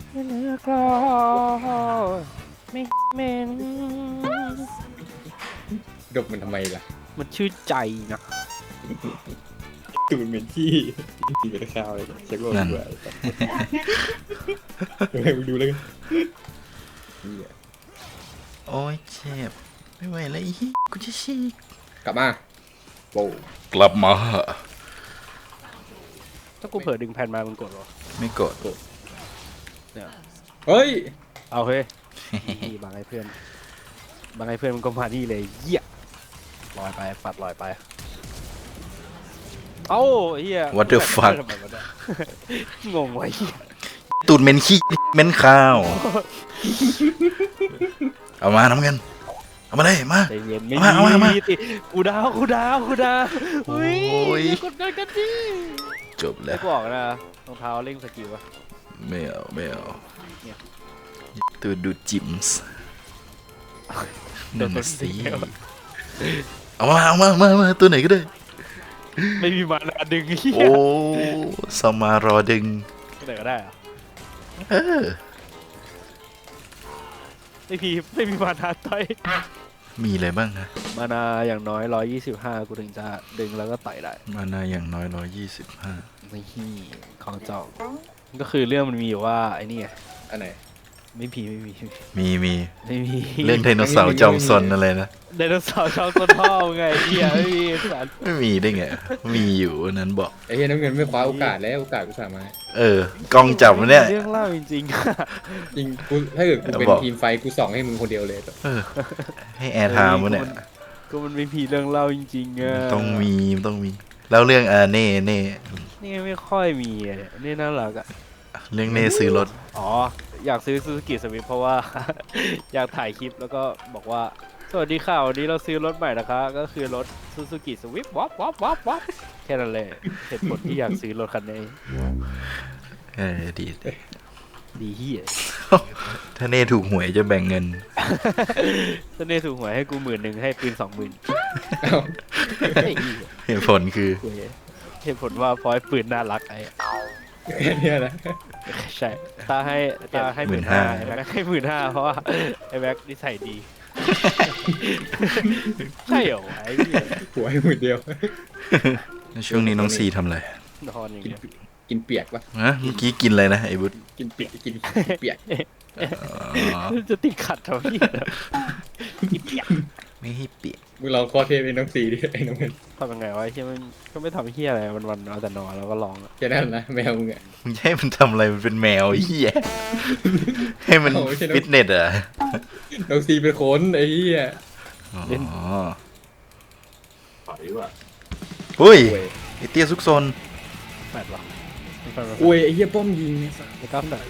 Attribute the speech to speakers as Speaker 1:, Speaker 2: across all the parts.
Speaker 1: เนื้อกรอไม่เหม็น
Speaker 2: ดบมันทำไมล่ะ
Speaker 1: มันชื่อใจนะ
Speaker 2: ตูดเหม็นขี้ตีเป็นข้าวเลยเช็คว่า
Speaker 3: นั่น
Speaker 2: เบื่อเดี๋ยวให้มึงดูแล้วกันเหี้ย
Speaker 3: โอ้ยเจ็บไม่ไหวแล้วอีกูจะฉีก
Speaker 2: กลับมาโว้
Speaker 3: กลับมา
Speaker 1: ถ้ากูเผลอดึงแผ่นมามึงกดเหรอ
Speaker 3: ไม่กด
Speaker 1: เนี่ย
Speaker 2: เฮ้ย
Speaker 1: เอาเฮ้ย นี่บางไอ้เพื่อนบางไอ้เพื่อนมันก็มานี่เลยเหี้ยลอยไปปัดลอยไปเอ้าเหี้ย
Speaker 3: What the fuck
Speaker 1: ทำไมวะเนี่ยงงไว้เหี้ย
Speaker 3: ตูดเหม็นขี้เหม็นข้าว เอามาน้ำเงินเอามาเลยมา
Speaker 1: ใจเย็นไม่
Speaker 3: เอามา
Speaker 1: มีติกูดาวอุ้ย
Speaker 3: โอ้ย
Speaker 1: อย่ากดดันกันดิ
Speaker 3: จบแล้
Speaker 1: แล้ว
Speaker 3: ว
Speaker 1: กูบอกนะรองเท้าเร่งสกิลวะ
Speaker 3: ไม่เอาไม่เอา
Speaker 1: เนี่ย
Speaker 3: ตูดดูดจิมส์นั่นน่ะสิเอามาตัวไหนก็ได้
Speaker 1: ไม่มีมานาดึงเหี้ย
Speaker 3: โอ้สมารอดึง
Speaker 1: ไหนก็ได้เหรอะ
Speaker 3: เออ
Speaker 1: ไม่มีมานาต่อย
Speaker 3: มีอะไรบ้างฮะ
Speaker 1: มานาอย่างน้อย125กูถึงจะดึงแล้วก็ต่อยได้
Speaker 3: มานาอย่างน้อย125
Speaker 1: นี่ของเจ้าก็คือเรื่องมันมีอยู่ว่าไอ้นี่ไง
Speaker 2: อันไหน
Speaker 1: ไม่มี
Speaker 3: มี
Speaker 1: ไม่มี
Speaker 3: เรื่องไดโนเสาร์จอมซนอะไรนะ
Speaker 1: ไดโนเสาร์ชาวต้นพ่อไงเหี้ยไม่มีสัตว์
Speaker 3: ไม่มีได้ไง มีอยู่อันนั้นบอก
Speaker 2: ไอ้เหี้ยน้ำเงินไม่คว้าโอกาสแล้วโอกาสกูสามารถ
Speaker 3: เออกล้องจับมันเนี่ย
Speaker 1: เรื่องเล่าจริง
Speaker 2: จริงกูถ้าเกิดกูเป็น
Speaker 3: บอก
Speaker 2: ทีมไฟกูส่องให้มึงคนเดียวเลย
Speaker 3: เออ ให้
Speaker 1: ๆ
Speaker 3: แอร์ไทม์มันเนี่ย
Speaker 1: ก็มันไม่มีเรื่องเล่าจริงๆอะ
Speaker 3: ต้องมีแล้วเรื่องเน่
Speaker 1: นี่ไม่ค่อยมีอะนี่น่ารักอะ
Speaker 3: เรื่องเน่ซื้อรถ
Speaker 1: อ๋ออยากซื้อซูซูกิสวิฟเพราะว่า อยากถ่ายคลิปแล้วก็บอกว่าสวัสดีค่ะวันนี้เราซื้อรถใหม่นะคะก็คือรถซูซูกิสวิฟวับแค่นั้นเลยเหตุผลที่อยากซื้อรถคันนี้
Speaker 3: เออดี
Speaker 1: ดีเฮีย
Speaker 3: ถ้าเน่ถูกหวยจะแบ่งเงิน
Speaker 1: ถ้าเน่ถูกหวยให้กู10,000ให้ปืน20,000
Speaker 2: เอ้า
Speaker 1: ไอ้เหี้ย
Speaker 3: เหตุผลคือ
Speaker 1: กูเหตุผลว่าเพราะไอ้ปืนน่ารักไอ้
Speaker 2: แค่เนี้ยนะ
Speaker 1: ใช่ตาให้15,000ไอ้แม็กให้15,000เพราะว่าไอ้แม็กนิสัยดี ใช่เหรอวะไอ้เหี้ย
Speaker 2: หัวให้มือเดียว
Speaker 3: ช่วงนี้น้องซีทำอะไร
Speaker 1: นอนอย่าง
Speaker 2: กิน
Speaker 1: เงี้ย
Speaker 2: กินเปียกปะ
Speaker 3: ฮะเมื่อกี้กินอะไรนะไอ้บุ๊ด
Speaker 2: กินเปียกกินเปียก
Speaker 3: อ๋อ
Speaker 1: จะติดขัดทำไมเนี่ยกินเปียก
Speaker 3: ไม่ให้เปียก
Speaker 2: มึงลองคอเทปเป็นน้องสีดิไอ้น้องเงิน
Speaker 1: ทำยังไงวะไอ้เหี้ยมันก็ไม่ทำเหี้ยอะไรวันๆเอาแต่นอนแล้วก็ร้องอะ
Speaker 2: แค่นั้นนะแมวมึงอะ
Speaker 3: มึงจะให้มันทำอะไรมันเป็นแมวไอ้เหี้ยให้มัน
Speaker 2: โอ้ยใช่นะ
Speaker 3: ฟิตเนสเหรอ่ะ
Speaker 2: น้องสีเป็นคนไอ้เหี้ย
Speaker 3: อ๋อ
Speaker 2: ถอยว่ะ
Speaker 3: หุ้ย
Speaker 2: โอ้ย
Speaker 3: ไอเตี้ยซุกซน
Speaker 1: แปดหรอไม่แปดหรอ
Speaker 2: โอ้ยไอ้เหี้ยป้อมยิงเนี่ยสัส
Speaker 1: ไม่กล้าแปด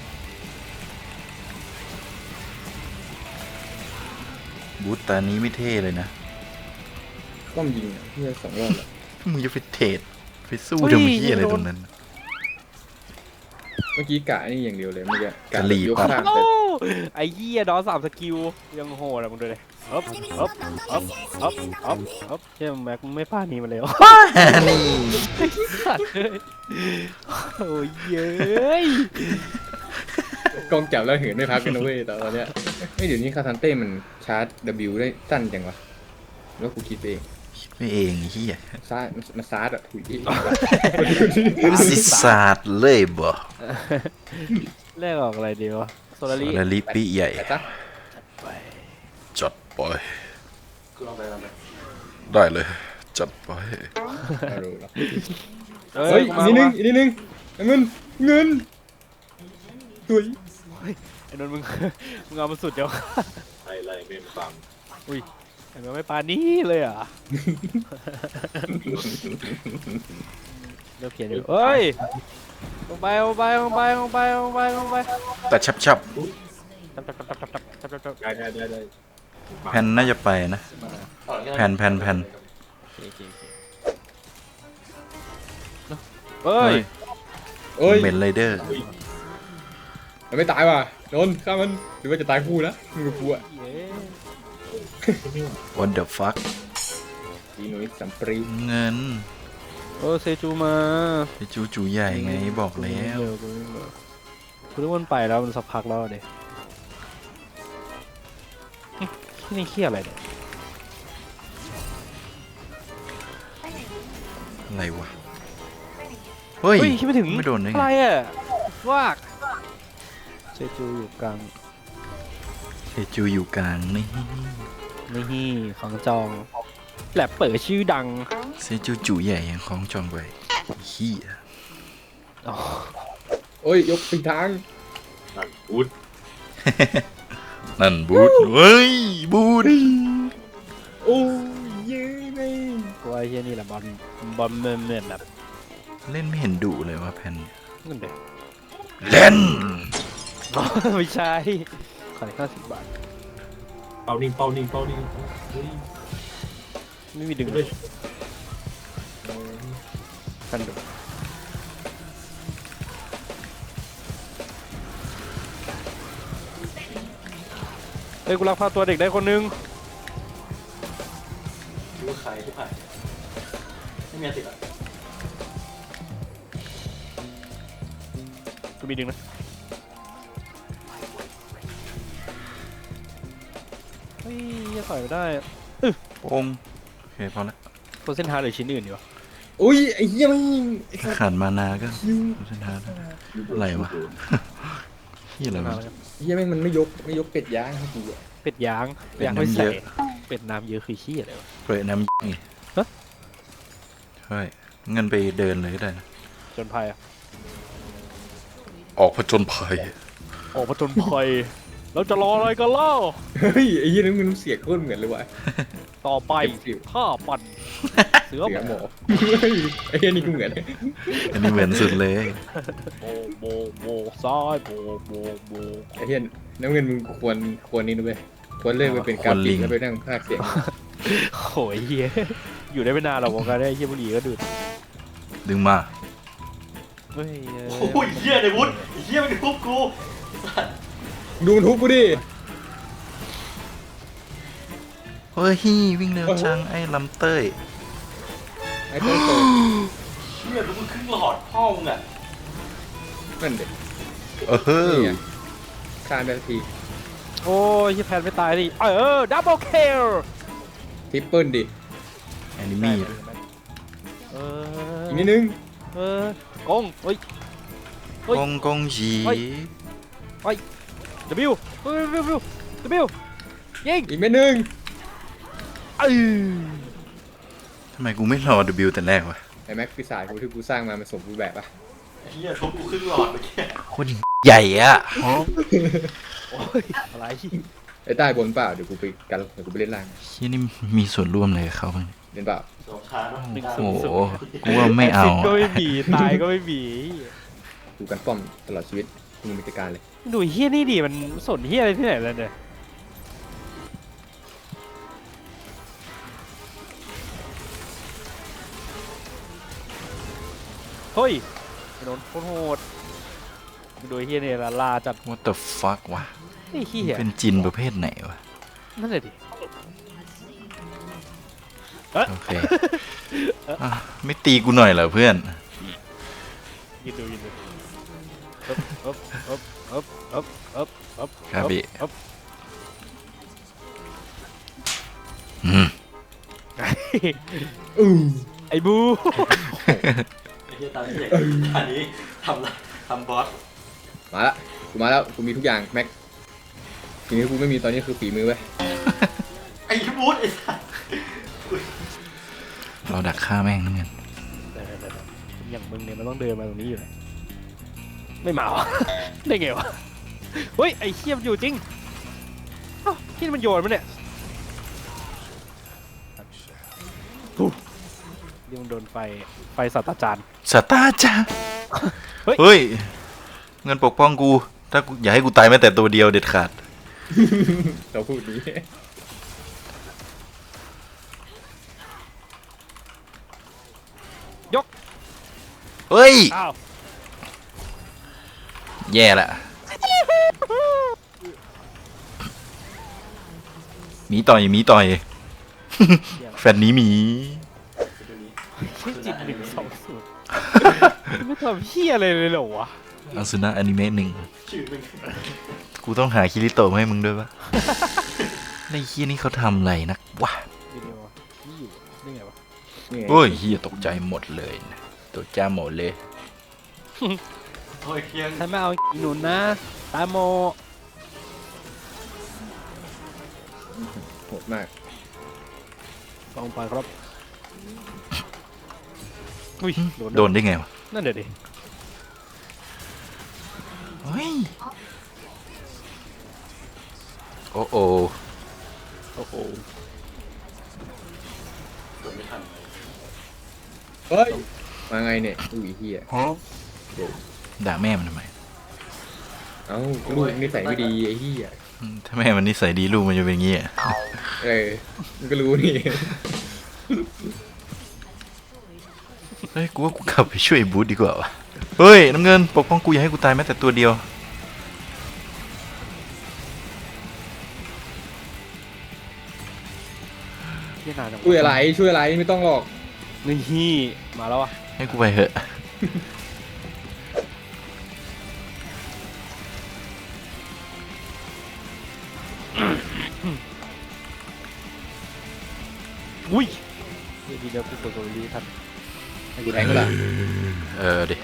Speaker 3: บูธตานี้ไม่เท่เลยนะ
Speaker 2: ป้อมยิงอะเหี้ย2 รอบแล้ว
Speaker 3: มึงจะไปเทรดไปสู้ทำเหี้ยอะไรตรงนั้น
Speaker 2: เมื่อกี้กะนี่อย่างเดียวเลยเมื่อกี้
Speaker 3: กะหรี่
Speaker 2: ยก
Speaker 3: ปั๊บ
Speaker 2: ข้าง
Speaker 1: โอ้
Speaker 2: แต่
Speaker 1: ไอ้เหี้ยดอ3สกิลยังโหดอะมึงดูเลยอ๊บเชี่ยแม็กมึงไม่พลาดนี้มาเลย
Speaker 3: นี่
Speaker 1: สัตว์เลยโอ้ยเย้ย
Speaker 2: กล้องจับแล้วเหินไม่พักกันนะเว้ยตอนเนี้ยไม่เดี๋ยวนี้คาซันเต้มันชาร์จ W ได้สั้นจังวะแล้วกูคิดไปเอง
Speaker 3: ไม่เองไอ้เหี้ย
Speaker 2: ซาร์มันซาร์ดอะถุย
Speaker 3: สิศาสตร์เลยบ่
Speaker 1: แรกออกอะไรดีวะโซลาริ
Speaker 3: ละลิปีใหญ่
Speaker 2: แต่ซะ
Speaker 1: ไป
Speaker 3: จัดไปได้เลย จัดไป
Speaker 2: เอาดูแล้ว
Speaker 1: เฮ้
Speaker 2: เฮ้
Speaker 1: ย
Speaker 2: ย
Speaker 1: มา
Speaker 2: อีกนิดนึง
Speaker 1: มา
Speaker 2: อีกนิดนึงเงินถุย
Speaker 1: ไอ้นนท์มึง มึงเอามาสุดเดี๋ยว
Speaker 4: ไล่ไม่ฟัง
Speaker 1: อุ้ยไอ้แม็กไม่ปานี้เลยอ่ะเริ่มเขียนอยู่เฮ้ยลงไป
Speaker 3: แต่ชับ
Speaker 1: จับ
Speaker 4: ได้
Speaker 3: แผ่นน่าจะไปนะแผ่น
Speaker 1: เฮ้ย
Speaker 2: เอ้ย
Speaker 3: เมนไรเดอร์
Speaker 2: มันไม่ตายว่ะโดนฆ่ามันหรือว่าจะตายคู่นะมึงกับกูอะ
Speaker 3: what the fuck
Speaker 2: อีหนุ่ยสัมปรี
Speaker 3: เงิน
Speaker 1: เออเซจูมา
Speaker 3: ไปจูใหญ่ไงบอกแล้ว
Speaker 1: คุณรู้ว่ามันไปแล้วมันสักพักแล้วเด็นี่เขี้ยอะไรเนี่ย
Speaker 3: อะไรวะ เฮ้ย
Speaker 1: เฮ้ยคิดไม่ถึง
Speaker 3: ไม่โดนได้
Speaker 1: อะไร
Speaker 3: ไง
Speaker 1: อ่ะวากเซจูอยู่กลาง
Speaker 3: เซจูอยู่กลางนี่
Speaker 1: นี่ของจองแหลบเปิดชื่อดัง
Speaker 3: เซจูจู่ใหญ่ยังคล้องจองไว้เฮีย
Speaker 1: อ๋อ
Speaker 2: โอ้ยยกปีทาง
Speaker 4: นั่นพูด
Speaker 3: นั่นบูทเฮ้ยบูท
Speaker 2: โอ้ยเย้ไม่
Speaker 1: กูว่าไอ้เฮียนี่แหละบอลเมื่อแบบ
Speaker 3: เล่นไม่เห็นดุเลยว่าแพน
Speaker 1: นั่นเด็ก
Speaker 3: เล่น
Speaker 1: ไม่ใช่ขาย50 บาท
Speaker 4: เป้านิ่งเป้านิ่งเป้านิ่งเฮ้ย
Speaker 1: ไม่มีดึง
Speaker 4: เลย
Speaker 1: กันดูเฮ้ยกูรักพาตัวเด็กได้คนนึง
Speaker 4: รู้ว่าใครที่ผ่านไม่มีติดอ่ะ
Speaker 1: กูมีดึงนะเฮ้ยจะต่อยไม่ได้
Speaker 3: โป้งโอเคพอละ
Speaker 1: คนเส้นทางหรือชิ้นอื่นดีวะ
Speaker 2: อุ้ยไอ้เหี้ยไม่ไอ้สัส
Speaker 3: ขาดมานาก็
Speaker 2: คิว
Speaker 3: เส้นทางอะไรวะเฮียอะไรวะ
Speaker 2: เหี้ยแม่งมันไม่ยกเป็ดย่างให้กูอะ
Speaker 1: เป็ดยาง
Speaker 3: เป็ด
Speaker 1: ยางไม่
Speaker 3: น้ำเย
Speaker 1: ใส่
Speaker 3: อะ
Speaker 1: เป็ดน้ำเยอะคือขี้อะไรวะ
Speaker 3: เปิดน้ำไง
Speaker 1: ฮะ
Speaker 3: ใช่เงินไปเดินเลยก็ได้นะ
Speaker 1: จนภัยอะ
Speaker 3: ออกผจญภัย
Speaker 1: ออกมาจนภัยเราจะรออะไรกันเล่า
Speaker 2: เฮ้ยไอ้เหี้ยนั่นมันเสียงโคตรเหมือนเลยว่ะ
Speaker 1: ต่อไป
Speaker 2: เต็มสิบ
Speaker 1: ข้าปั่นเสือ
Speaker 2: เสียง
Speaker 1: ห
Speaker 2: ห
Speaker 1: ม
Speaker 2: ม
Speaker 1: อ
Speaker 2: อเฮ้ยไอ้เหี้ยนี่กูเหมือน
Speaker 3: อันนี้เหมือนสุดเลย
Speaker 1: โบโบโบซ้ายโบโบโบ
Speaker 2: ไอ้เหี้ยน้ำเงินมึงควรนี่นะเว้ยควรเลิกไปเป็นกราฟิกแล้วไปนั่งพากย์เสียง
Speaker 1: โหยเฮียอยู่ได้ไม่นานหรอกวงการได้เฮียบุหรี่ก็ดูด
Speaker 3: ดึงมา
Speaker 1: เฮ้ย
Speaker 4: โอ้ยเหี้ยในวุฒิเหี้ยมันทุบกู
Speaker 2: ดูมันทุบกูดิ
Speaker 3: เฮ้ยวิ่งเร็วจังไอ้ลำเต้ย
Speaker 2: ไอ้เต้ยโต
Speaker 4: เหี้ยแล้วมึงครึ่งหลอดพ่อมึงอ่ะ
Speaker 2: นั่นเด็ก
Speaker 3: เออ
Speaker 2: นี่ไงคานไปที
Speaker 1: โอ้ยเฮียแพนไม่ตายดิดับเบิลคิล
Speaker 2: ทริปเปิลดิ
Speaker 3: แอนิมี่
Speaker 2: อีกนิดนึง
Speaker 1: กงเฮ้ย เฮ้ย
Speaker 3: กงจี
Speaker 1: เฮ้ย W ยิง
Speaker 2: อีกเม็ดนึง
Speaker 3: ทำไมกูไม่รอ W แต่แรกวะ
Speaker 2: ไอ้แม็กปีศาจกูที่กูสร้างมามันสมบูรณ์แบบปะ
Speaker 4: เหี้ยทุบกูครึ่งหลอดเมื่อกี้
Speaker 3: โคตรใหญ่อะ
Speaker 1: โอ้ยอะไร
Speaker 2: ไอ้ใต้บนเปล่าเดี๋ยวกูไปกันเดี๋ยวกูไปเล่นล่าง
Speaker 3: เฮียนี่มีส่วนร่วมเลยกับเขาบ้าง
Speaker 2: เล่นเปล่า
Speaker 4: สองคาเนาะ
Speaker 3: โอ้โหกูว่าไม่เอา
Speaker 1: แซิดก็
Speaker 3: อะ
Speaker 1: ไม่มีตายก็ไม่มี
Speaker 2: กูกันป้อมตลอดชีวิตมึงมีกิจการเลย
Speaker 1: ดูเฮียนี่ดิมันสนเฮียอะไรที่ไหนแล้วเนี่ยเฮ้ยไอ้โดนโคตรโหดดูเฮียเนี่ยลาจัด
Speaker 3: What the fuck วะ
Speaker 1: ไอ้เฮีย
Speaker 3: เป็นจินประเภทไหนวะ
Speaker 1: นั่นเลยดิ
Speaker 3: โอเคอ่ะไม่ตีกูหน่อยเหรอเพื่อน
Speaker 1: ยืนดูฮึบฮึบฮึบฮึบฮึบฮึบ
Speaker 3: ครับพี่
Speaker 1: ฮึบ
Speaker 3: อืม
Speaker 1: ไอ้บู
Speaker 4: ไอ้เหี้ยตามที่เด็กอันนี้ทำบอส
Speaker 2: มาละกูมาแล้วกูมีทุกอย่างแม็กสิ่งที่กูไม่มีตอนนี้คือฝีมือเว้ย
Speaker 4: ไอ้วุฒิไอ้สัส
Speaker 3: เราดักฆ่าแม่งนั่นเงิน
Speaker 1: อย่างมึงเนี่ยมันต้องเดินมาตรงนี้อยู่แล้วไม่มาวะ ได้ไงวะเฮ้ยไอ้เขี้ยมนอยู่จริงอ้าวที่มันโยนมันเนี่ยนี่มันโดนไฟสัตว์อาจารย์
Speaker 3: สตาร์จ้า
Speaker 1: เฮ้ย
Speaker 3: เฮ้ย เงินปกป้องกู ถ้ากูอย่าให้กูตายแม้แต่ตัวเดียวเด็ดขาด
Speaker 2: เราพูดนี้
Speaker 3: เฮ้ย
Speaker 1: อ้าว
Speaker 3: แย่ละหมีต่อยหมีต่อย แฟนนี้หมี
Speaker 1: ชื่อจิต120ไม่ทำเฮียอะไรเลยเหรอวะ
Speaker 3: อาสุนะอนิเมะหนึ่ง
Speaker 4: ชื่อมึง
Speaker 3: กูต้องหาคิริโตะมาให้มึงด้วยปะ ไอ้เฮียนี่เขาทำอะไรนักวะ
Speaker 1: วิดีโอนี่อยู่นี่ไงวะ
Speaker 2: นี่ไง
Speaker 3: โอ้ยเฮียตกใจหมดเลยนะตกใจหมดเลย
Speaker 4: โอ้ยเคียง
Speaker 1: ถ้าไม่เอาหนุนนะตาโม
Speaker 2: โหดมาก
Speaker 1: ลองไปครับอุ้ย
Speaker 3: โดนได้ไงวะ
Speaker 1: นั่นเดี๋ยวดิ
Speaker 3: เฮ้ยโอ้โอ
Speaker 1: โอ้โห
Speaker 4: กดไม่ทันเลย
Speaker 2: เฮ้ยมาไงเนี่ยอุ้ยเฮีย
Speaker 3: ด่าแม่มันทำไม
Speaker 2: เอ้าลูกนิสัยไม่ดีไอ้เฮีย
Speaker 3: ถ้าแม่มันนิสัยดีลูกมันจะเป็นอย่างงี้อะ
Speaker 2: มันก็รู้นี่
Speaker 3: เฮ้ยกูว่ากูกลับไปช่วยบูธดีกว่าวะเฮ้ยน้ำเงินปกป้องกูอย่าให้กูตายแม้แต่ตัวเดียว
Speaker 1: ที่นานจังวะ
Speaker 2: ช่วยอะไรไม่ต้องหรอก
Speaker 1: นี่ฮี่มาแล้วอ่ะ
Speaker 3: ให้กูไปเหอะ
Speaker 1: อุ้ยนี่ดีเดียวกูกดตัวรีทัน
Speaker 2: ให้กูแทงก็ละ
Speaker 3: ดิ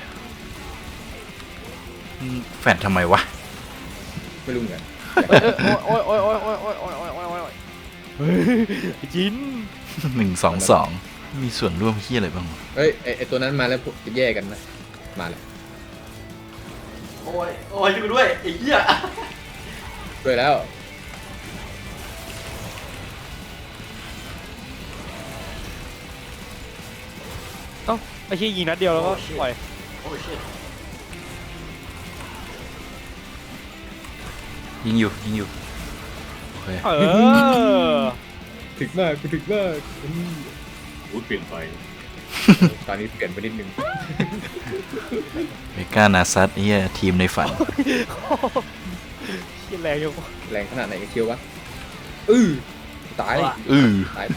Speaker 3: แฟนทำไมวะ
Speaker 2: ไม่รู้เหมือนกัน
Speaker 1: โอ้ยโอ้ยโอ้ยโอ้ยโอ้ยโอ้ยโอ้ยโอ้ยโอ้ยโอ้ยเฮ้ยจิน
Speaker 3: 1 2 2มีส่วนร่วมเฮียอะไรบ้างวะ
Speaker 2: เฮ้ยไอตัวนั้นมาแล้วจะแย่กันนะมาเลย
Speaker 4: โอ้ยโอ้ยช่วยกูด้วยไอ้เหี้ย
Speaker 2: ด้วยแล้ว
Speaker 1: เอ้าไอ้ชี้ยยิงนัดเดียวแล้วก็ปล่อย
Speaker 4: โอ้ยเชี่ย
Speaker 3: ยิงอยู่โอเค
Speaker 1: เออ
Speaker 2: ถึกมากกูถึกมาก
Speaker 5: พูดเปลี่ยนไป
Speaker 2: ตอนนี้เปลี่ยนไปนิดนึง
Speaker 3: เมกานาซัตเฮียทีมในฝัน
Speaker 1: ขี้แรงอยู่
Speaker 2: แรงขนาดไหนกันเชียววะตาย
Speaker 3: อือ
Speaker 2: ตาย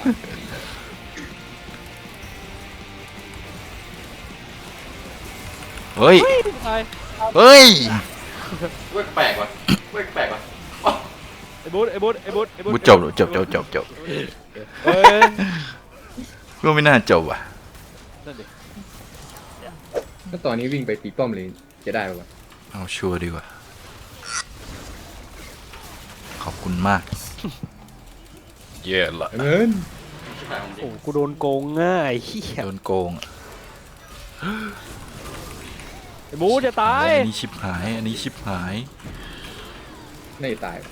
Speaker 3: เฮ้ย
Speaker 1: ตาย
Speaker 3: เฮ้ย
Speaker 4: เว้ยแปลกว่ะเว้ยแปลกว่ะอ๋อ
Speaker 1: ไอ้บูธไอ้บูธไอ้บูธไอ้บูธ
Speaker 3: กูจบ
Speaker 1: เอ้ย
Speaker 3: กูไม่น่าจบว่ะ
Speaker 1: นั่นดิ
Speaker 2: ถ้าตอนนี้วิ่งไปตีป้อมเลยจะได้ปะวะ
Speaker 3: เอาชัวร์ดีกว่า ขอบคุณมาก เย่ละ
Speaker 2: เงิน
Speaker 4: ชิบหายของจริ
Speaker 1: โอ้
Speaker 4: ง
Speaker 1: กูโดนโกงง่ายเฮีย
Speaker 3: โดนโกงอะ
Speaker 1: ไอ้บูธจะตาย
Speaker 3: อันนี้ชิบหาย อันนี้ชิบหาย
Speaker 2: น่าจะตาย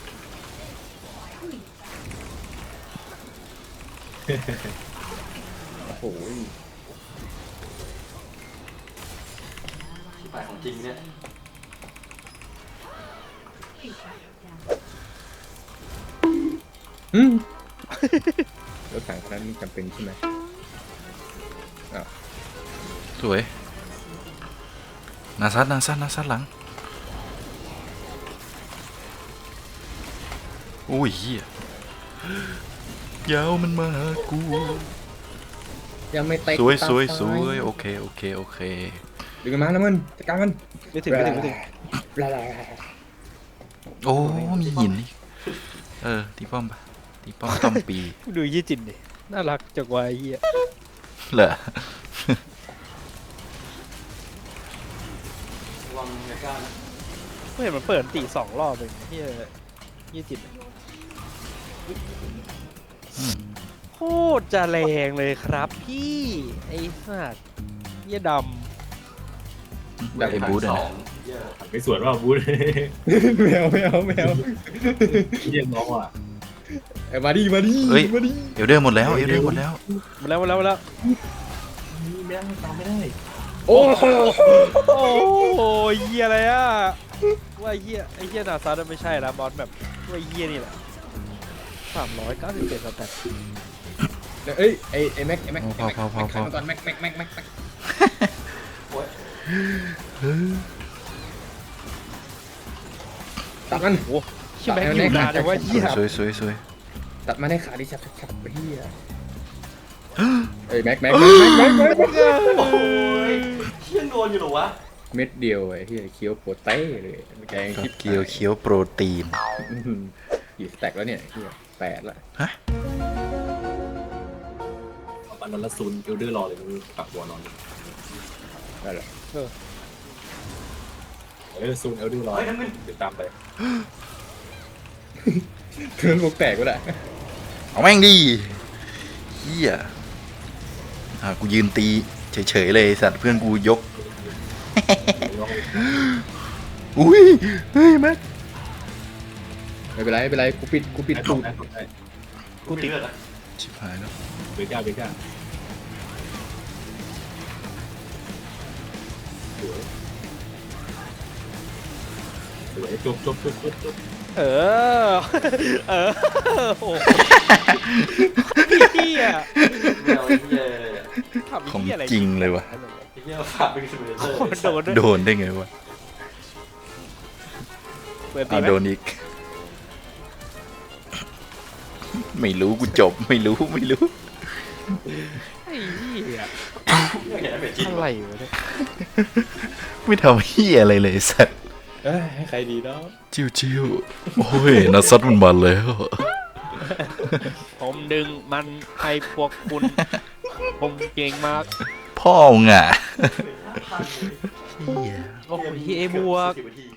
Speaker 2: โอ้โห
Speaker 4: ชิบหายของจริงเนี่ย
Speaker 2: รถถังคันนั้นจำเป็นใช่ไหม
Speaker 3: สวย นาซัดหลัง โอ้ยเฮียยาวมันมาหากู
Speaker 2: ยังไม่เตะ
Speaker 3: สวย
Speaker 2: ตา
Speaker 3: โอเค
Speaker 2: ดึงมันมานะมันจัดการมัน
Speaker 1: ไม่ถึง
Speaker 3: โอ้มีหินอีกตีป้อมปะตีป้อมต้อมปี
Speaker 1: ดูยี่จินดิน่ารักจังวะไอ้เฮีย
Speaker 3: เหรอ
Speaker 4: ระวังเมกานะ
Speaker 1: ไม่เห็นมันเปิดตี2 รอบเองเฮียยี่จินโคตรจะแรงเลยครับพี่ไอ้สัตว์เฮียด
Speaker 3: แบบไอ้บูธอะ
Speaker 4: ส
Speaker 3: นะ
Speaker 4: องเหี้ย
Speaker 5: ไม่สวนว่าบูธ
Speaker 2: แมว
Speaker 5: เยี่ยมน้องอ่ะ
Speaker 2: มาดิ
Speaker 3: เฮ้ย เอลเดอร์หมดแล้ว
Speaker 1: ำมาแล้ว
Speaker 5: นี่แม่งตามไม่ได้
Speaker 2: โอ้โห
Speaker 1: โอ้ยเฮียอะไรอ่ะว่าเฮียไอ้เฮียนาซาร์ไม่ใช่ละบอสแบบว่าเฮียนี่แหละ397สแตท
Speaker 2: เอ้ยไอ้แม็ก
Speaker 3: พอ
Speaker 2: ขันมาก่อนแม็ก
Speaker 4: โอ้ย
Speaker 2: ตัดมัน
Speaker 1: ชิแม็กอยู่นานแต่ว่าเฮีย
Speaker 3: สวย
Speaker 2: ตัดมาได้ขาดิฉับไปเฮียเอ้ยแม็ก
Speaker 4: โอ้ยเชี่ยโดนอยู่เหรอวะ
Speaker 2: เม็ดเดียวไอ้ที่เคี้ยวโปรเต้เลยแกง
Speaker 3: ก็
Speaker 2: คิด
Speaker 3: เกี๊ยวเคี้ยวโปรตีน
Speaker 2: กี่สแต็กแล้วเนี่ยที่8ละ
Speaker 5: เอาปันนอนละซุนเอลเดอร์รอเลยมึงปรับตัวนอน
Speaker 2: ได้ละ
Speaker 5: ซุนเอลเดอร์รอเดี๋ยวตามไป
Speaker 2: เพื่อนพวกแตกก็ได้
Speaker 3: เอาแม่งดิเฮียกูยืนตีเฉยๆเลยสัตว์เพื่อนกูยก อุ้ยเฮ้ยแม็ก
Speaker 2: ไม่เป็นไรไม่เป็นไรกูปิด
Speaker 5: ได้
Speaker 2: ตูด
Speaker 5: ได้
Speaker 1: กูติด
Speaker 4: เลือดอะ
Speaker 3: ชิบหายแล้ว
Speaker 5: เบก้าสวยจบ
Speaker 1: เออ เออโอ้โหเฮีย
Speaker 4: ไม่เอาไอ้เหี้ย
Speaker 1: ทำ
Speaker 3: ของ
Speaker 1: เฮียอะไร
Speaker 3: จริงเลยวะ
Speaker 4: ไอ้เหี้ยฝากเป็นซิมูเลเตอร์
Speaker 1: โดนด้วย
Speaker 3: โดนได้ไงวะ
Speaker 1: เปิดตี
Speaker 3: เอา
Speaker 1: ไหม
Speaker 3: โดนอีก ไม่รู้กูจบไม่รู้
Speaker 1: ไอ้เหี้ย
Speaker 4: ไม่เห็นเป็นจริง
Speaker 1: อะไรวะเนี่ย
Speaker 3: ไม่ทำเฮียอะไรเลยสัตว์
Speaker 2: ให้ใครดีเนาะ
Speaker 3: จิ้วโอ้ยนัดซัดมันมาแล้ว
Speaker 1: ผมดึงมันให้พวกคุณ ผมเก่งมาก
Speaker 3: พ่อมึงอ่ะเฮีย
Speaker 1: โอ้โหเฮียบวก
Speaker 4: 10 นาที